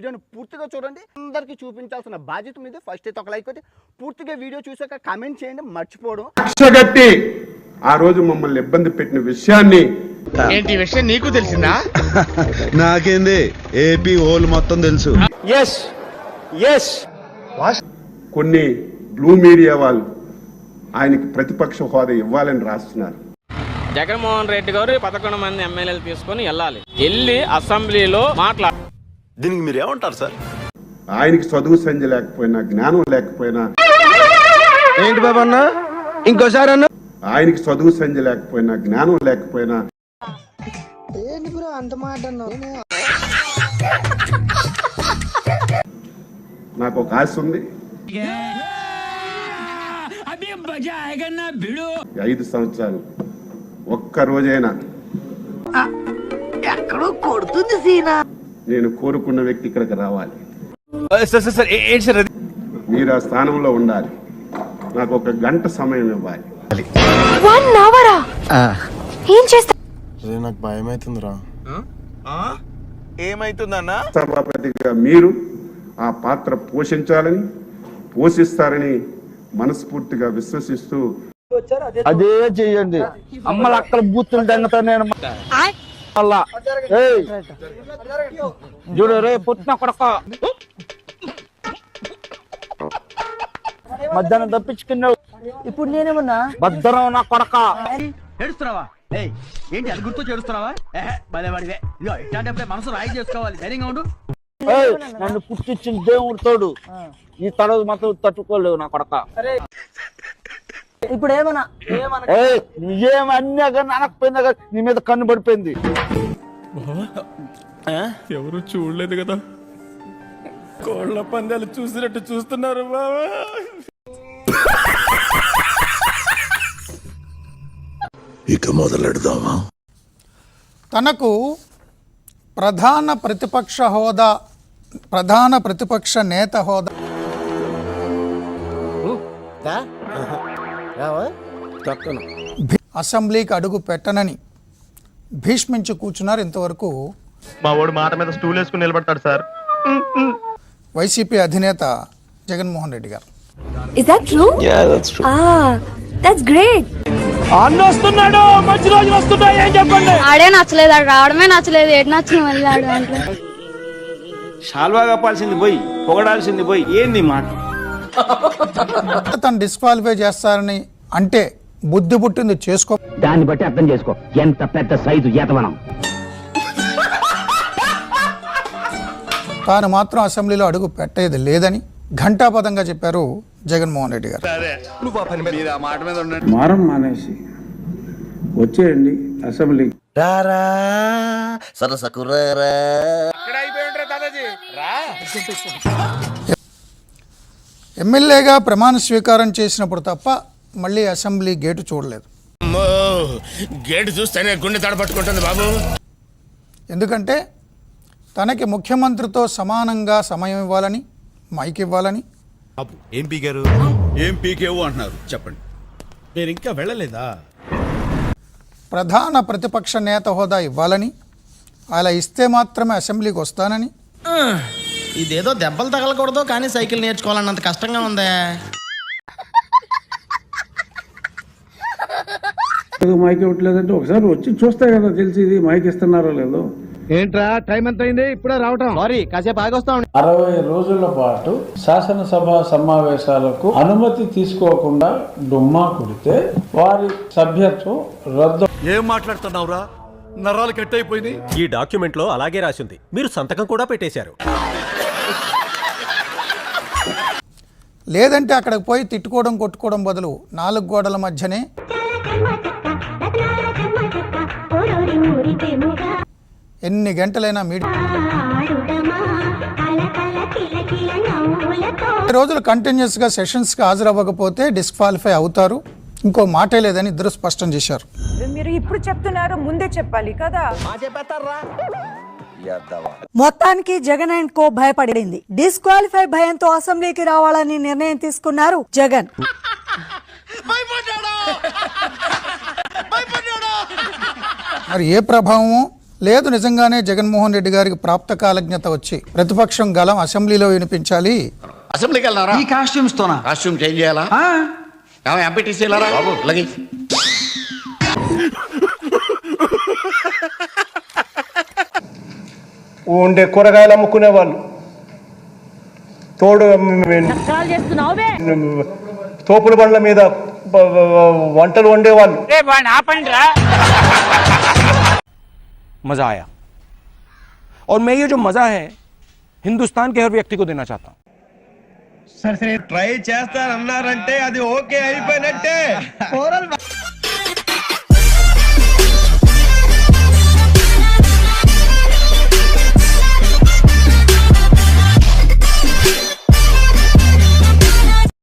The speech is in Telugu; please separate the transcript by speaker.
Speaker 1: వీడియోని పూర్తిగా చూడండి, అందరికీ చూపించాల్సిన బాధ్యత మీద. ఫస్ట్ అయితే ఒక లైక్ కొట్టి పూర్తిగా వీడియో చూసాక కామెంట్ చేయండి, మర్చిపోవడం.
Speaker 2: కక్షగట్టి ఆ రోజు మమ్మల్ని ఇబ్బంది పెట్టిన విషయాన్ని
Speaker 3: ఏంటి విషయం నీకు తెలిసిందా?
Speaker 4: నాకేంది, ఏపీ హోల్ మొత్తం తెలుసు.
Speaker 2: కొన్ని బ్లూ మీడియా వాళ్ళు ఆయనకి ప్రతిపక్ష హోదా ఇవ్వాలని రాస్తున్నారు.
Speaker 5: జగన్మోహన్ రెడ్డి గారు 11 మంది ఎమ్మెల్యేలు తీసుకొని వెళ్ళి అసెంబ్లీలో మాట్లాడాలి.
Speaker 4: దీనికి మీరు ఏమంటారు సార్?
Speaker 2: ఆయనకి చదువు సంధ్య లేకపోయినా, జ్ఞానం లేకపోయినా,
Speaker 3: ఏంటి బాబు అన్న ఇంకోసారి అన్న,
Speaker 2: ఆయనకి చదువు సంధ్య లేకపోయినా, జ్ఞానం లేకపోయినా, నాకు ఒక ఆశ ఉంది. 5 సంవత్సరాలు ఒక్క రోజైనా నేను కోరుకున్న వ్యక్తి ఇక్కడికి రావాలి. మీరు ఆ స్థానంలో ఉండాలి. నాకు 1 గంట సమయం ఇవ్వాలి.
Speaker 6: 1 hour ఏం చేస్తా?
Speaker 4: నాకు భయం అవుతుందిరా.
Speaker 3: ఏమైతుందన్నా?
Speaker 2: సభాపతిగా మీరు ఆ పాత్ర పోషించాలని, పోషిస్తారని మనస్ఫూర్తిగా విశ్వసిస్తూ
Speaker 1: అదే చెయ్యండి. అమ్మల అక్కడ బూతులు దంగతా నేను మళ్ళా చూడు రే పుట్టిన కొడక మధ్యాహ్నం తప్పించుకున్నావు. ఇప్పుడు నేనేమన్నా భద్రం నా కొడక.
Speaker 7: ఏడుస్తున్నావా? ఏంటి అది గుర్తు చేడుస్తున్నావా? భలేవాడివే. ఇదిగో ఇట్లాంటప్పుడే మనసు రాయి చేసుకోవాలి. ధైర్యంగా ఉండు.
Speaker 1: నన్ను పుట్టించిన దేవుడు తోడు, ఈ తడవ మాత్రం తట్టుకోలేవు నా కొడక. ఇప్పుడు ఏమన్నా ఏమన్నా కానీ అనకపోయిందా కానీ నీ మీద కన్ను పడిపోయింది.
Speaker 8: ఎవరు చూడలేదు కదా, కోళ్ళ పందాలు చూసినట్టు చూస్తున్నారు బాబా.
Speaker 4: ఇక మొదలెడదామా?
Speaker 9: తనకు ప్రధాన ప్రతిపక్ష నేత హోదా అసెంబ్లీకి అడుగు పెట్టనని భీష్మించి కూర్చున్నారు. ఇంతవరకు
Speaker 8: మా వాడు మాట మీద స్టూల్ వేసుకుని నిలబడతాడు సార్.
Speaker 9: వైసీపీ అధినేత జగన్మోహన్ రెడ్డి గారు.
Speaker 6: Is that true? Yeah, that's true. That's great.
Speaker 8: అన్న వస్తున్నాడు, మంచి రోజులు వస్తున్నాయి. ఏం చెప్పండి?
Speaker 6: ఆడే నచ్చలేదు, ఆడు రావడమే నచ్చలేదు. ఏడు నచ్చింది మళ్ళీ ఆడు అంటే
Speaker 3: షాల్వా కప్పాల్సింది పోయి పొగడాల్సింది పోయి ఏంది మాట?
Speaker 9: తను డిస్క్వాలిఫై చేస్తారని అంటే బుద్ధి పుట్టింది చేసుకో.
Speaker 7: దాన్ని బట్టి అర్థం చేసుకో ఎంత పెద్ద సైజు ఏతవనం.
Speaker 9: తాను మాత్రం అసెంబ్లీలో అడుగు పెట్టేది లేదని ఘంటాపదంగా చెప్పారు జగన్మోహన్ రెడ్డి గారు.
Speaker 10: మారం మానేసి వచ్చేయండి అసెంబ్లీ. ఎమ్మెల్యేగా ప్రమాణ స్వీకారం చేసినప్పుడు తప్ప మళ్ళీ అసెంబ్లీ గేటు చూడలేదు.
Speaker 3: గేటు చూస్తేనే గుండె తడపట్టుకుంటుంది బాబు.
Speaker 9: ఎందుకంటే తనకి ముఖ్యమంత్రితో సమానంగా సమయం ఇవ్వాలని, మైక్ ఇవ్వాలని.
Speaker 4: ఏం పీకారు? ఏం పీకేవు అంటున్నారు చెప్పండి.
Speaker 8: మీరు ఇంకా వెళ్ళలేదా?
Speaker 9: ప్రధాన ప్రతిపక్ష నేత హోదా ఇవ్వాలని, అలా ఇస్తే మాత్రమే అసెంబ్లీకి వస్తానని.
Speaker 7: ఇదేదో దెబ్బలు తగలకూడదు కానీ సైకిల్ నేర్చుకోవాలన్నంత కష్టంగా ఉందే.
Speaker 10: మైక్ ఇవ్వట్లేదంటే ఒకసారి వచ్చి చూస్తే కదా తెలిసి ఇది మైక్ ఇస్తున్నారో లేదో.
Speaker 3: ఏంట్రా టైం ఎంత అయింది? ఇప్పుడే రావటం. సారీ కాసేపు ఆగొస్తా.
Speaker 10: 60 రోజుల పాటు శాసనసభ సమావేశాలకు అనుమతి తీసుకోకుండా డుమ్మా కొడితే వారి సభ్యత్వం రద్దు.
Speaker 4: ఏం మాట్లాడుతున్నావురా? నరాలు కట్ అయిపోయింది.
Speaker 8: ఈ డాక్యుమెంట్ లో అలాగే రాసింది, మీరు సంతకం కూడా పెట్టేశారు.
Speaker 9: లేదంటే అక్కడికి పోయి తిట్టుకోవడం కొట్టుకోవడం బదులు 4 గోడల మధ్యనే ఎన్ని గంటలైనా రోజులు కంటిన్యూస్గా సెషన్స్కి హాజరవ్వకపోతే డిస్క్వాలిఫై అవుతారు. ఇంకో మాటే లేదని ఇద్దరు స్పష్టం చేశారు.
Speaker 11: మీరు ఇప్పుడు చెప్తున్నారు, ముందే చెప్పాలి కదా.
Speaker 12: మొత్తానికి జగన్ అండ్ కో భయపడింది. డిస్క్వాలిఫై భయంతో అసెంబ్లీకి రావాలని నిర్ణయం తీసుకున్నారు జగన్. మరి ఏ ప్రభావమో
Speaker 9: లేదు నిజంగానే జగన్మోహన్ రెడ్డి గారికి ప్రాప్త కాలజ్ఞత వచ్చి ప్రతిపక్షం గలం అసెంబ్లీలో వినిపించాలి.
Speaker 7: అసెంబ్లీకి వెళ్ళారా ఈ కాస్ట్యూమ్స్ తోనా? కాస్ట్యూమ్ చేంజ్ చేయాలా? ఎంపీటీసీ వెళ్ళారా బాబు? లగి
Speaker 8: ఉండే కూరగాయలు అమ్ముకునే వాళ్ళు, తోడు తోపుల బండ్ల మీద వంటలు వండేవాళ్ళు.
Speaker 3: मजा आया और मैं ये जो मजा है हिंदुस्तान के हर व्यक्ति को देना चाहता हूँ.
Speaker 8: ట్రై చేస్తారన్నారంటే అది ఓకే అయిపోయినట్టే.